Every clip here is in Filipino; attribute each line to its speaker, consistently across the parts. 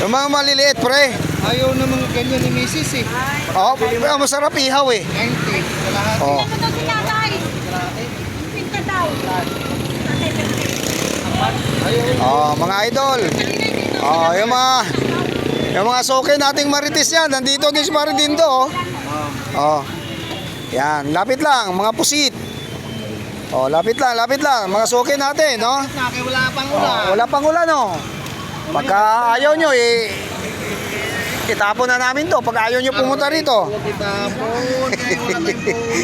Speaker 1: Yung mga maliliit, pre.
Speaker 2: Ayaw na mga ganyan ni Mrs. eh.
Speaker 1: Oh, masarap ihaw eh.
Speaker 2: 90. Kalahati.
Speaker 1: Oh.
Speaker 3: Ito daw si tatay. Pinta daw.
Speaker 1: Oh, mga idol. Oh, yung mga soke nating marites yan. Nandito din si Maridindo, oh. Oh. Yan, lapit lang, mga pusit. Oh, lapit lang. Mga soke natin, no?
Speaker 2: Wala pang
Speaker 1: Oh,
Speaker 2: ulan.
Speaker 1: wala pang ulan, no? Pagka ayaw nyo, itapon na namin to. Pag ayaw nyo pumunta rito.
Speaker 2: Itapon. Kaya wala may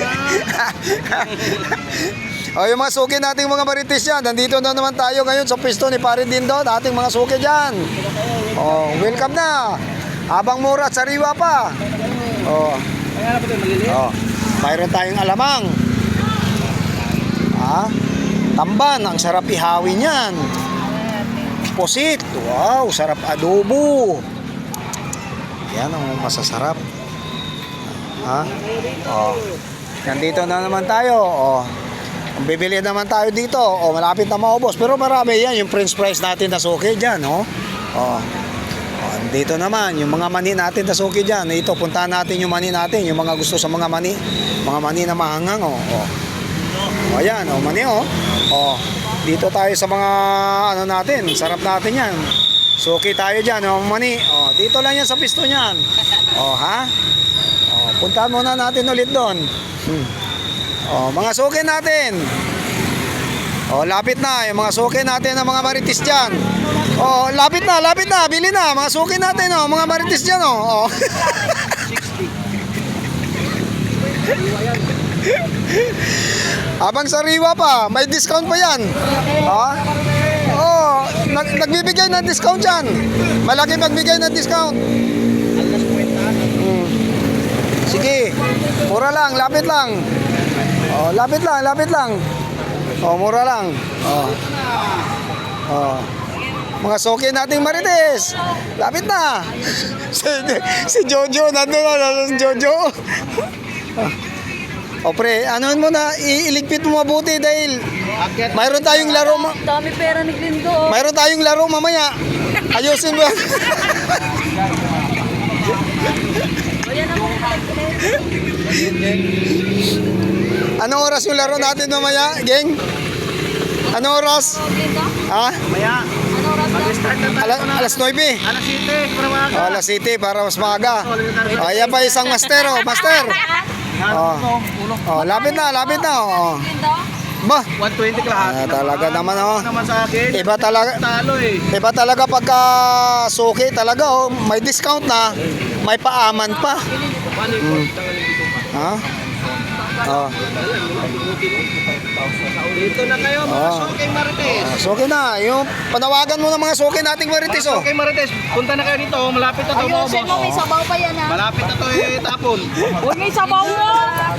Speaker 2: ulan.
Speaker 1: O, yung mga suki nating mga marites yan. Nandito na naman tayo ngayon sa pisto ni Pare Dindo. Ating mga suki dyan. O, welcome na. Habang mura at sariwa pa. O, mayroon tayong alamang. Tamban. Ang sarap ihawin yan. Pusit. Wow, sarap adobo. Yan ang masasarap. Nandito na naman tayo. Bibili naman tayo dito. Malapit na maubos. Pero marami yan. Yung french fries natin na suki dyan. Dito naman. Yung mga mani natin na suki dyan. Ito, puntahan natin yung mani natin. Yung mga gusto sa mga mani. Mga mani na mahangang. Ayan. Mani. Dito tayo sa mga ano natin. Sarap natin yan. Suki tayo dyan. Mani. Dito lang yan sa pisto niyan. Puntahan muna natin ulit doon. Mga suki natin. Lapit na. Yung mga suki natin ng mga marites dyan. Lapit na. Bili na. Mga suki natin. Mga marites dyan. Abang sariwa pa. May discount pa yan. Nagbibigay ng discount dyan. Malaki magbigay ng discount. Sige. Mura lang. Lapit lang. Lapit lang. Mura lang. Mga soke nating marites. Lapit na. Si Jojo, nandun na si Jojo. Pre, ano'n mo na, iligpit mo mabuti dahil mayroon tayong laro.
Speaker 3: Dami pera ni Glindo.
Speaker 1: Mayroon tayong laro mamaya. Ayusin mo. Anong oras yung laro natin mamaya, geng? Anong oras?
Speaker 2: Maya. Mag-start na tayo.
Speaker 1: Alas 9.
Speaker 2: Alas 7. Para maaga.
Speaker 1: Alas 7 para mas maaga. Ayan pa isang master. Master. Lapit na. Ba?
Speaker 2: 120 kalahati.
Speaker 1: Talaga naman.
Speaker 2: Naman sa akin.
Speaker 1: Iba talaga.
Speaker 2: Talo eh.
Speaker 1: Iba talaga pagka suki talaga. May discount na. May paaman pa.
Speaker 2: Dito na kayo mga Soke Marites.
Speaker 1: Suki na. Yung panawagan mo ng mga suki nating marites.
Speaker 2: Soke Marites, punta na kayo dito. Malapit na ito.
Speaker 3: Ayusin mo, may sabaw pa yan
Speaker 2: Malapit na ito tapon.
Speaker 3: Huwag may sabaw mo.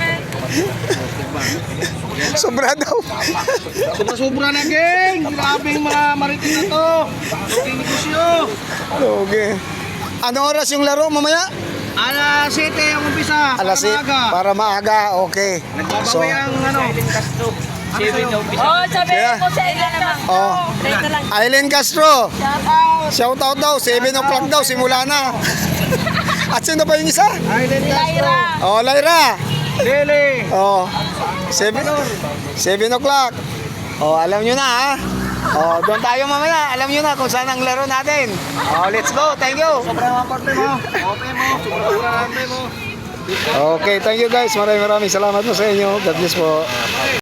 Speaker 1: Sobra daw.
Speaker 2: Sobra na, geng. Grabing mga Marites na to. Soke negosyo.
Speaker 1: Okay. Anong oras yung laro mamaya?
Speaker 2: Alas 7 ang umpisa.
Speaker 1: Alas 7 para maaga. Okay. So,
Speaker 2: Nagbabawi ang ano. 7 na umpisa.
Speaker 3: Sabi mo sa ilan naman. Dito lang.
Speaker 1: Aileen Castro.
Speaker 3: Shout out.
Speaker 1: Shout out daw. 7 o'clock daw. Simula na. At sino pa yung isa?
Speaker 2: Island Castro.
Speaker 3: Lyra.
Speaker 1: Lyra.
Speaker 2: Lele.
Speaker 1: 7 o'clock. Alam nyo na ha. Doon tayo mamaya. Alam nyo na kung saan ang laro natin. Let's go. Thank you.
Speaker 2: Sobrang aparte mo. Okay mo. Sobrang aparte mo.
Speaker 1: Okay, thank you guys. Maraming salamat po sa inyo. God bless po.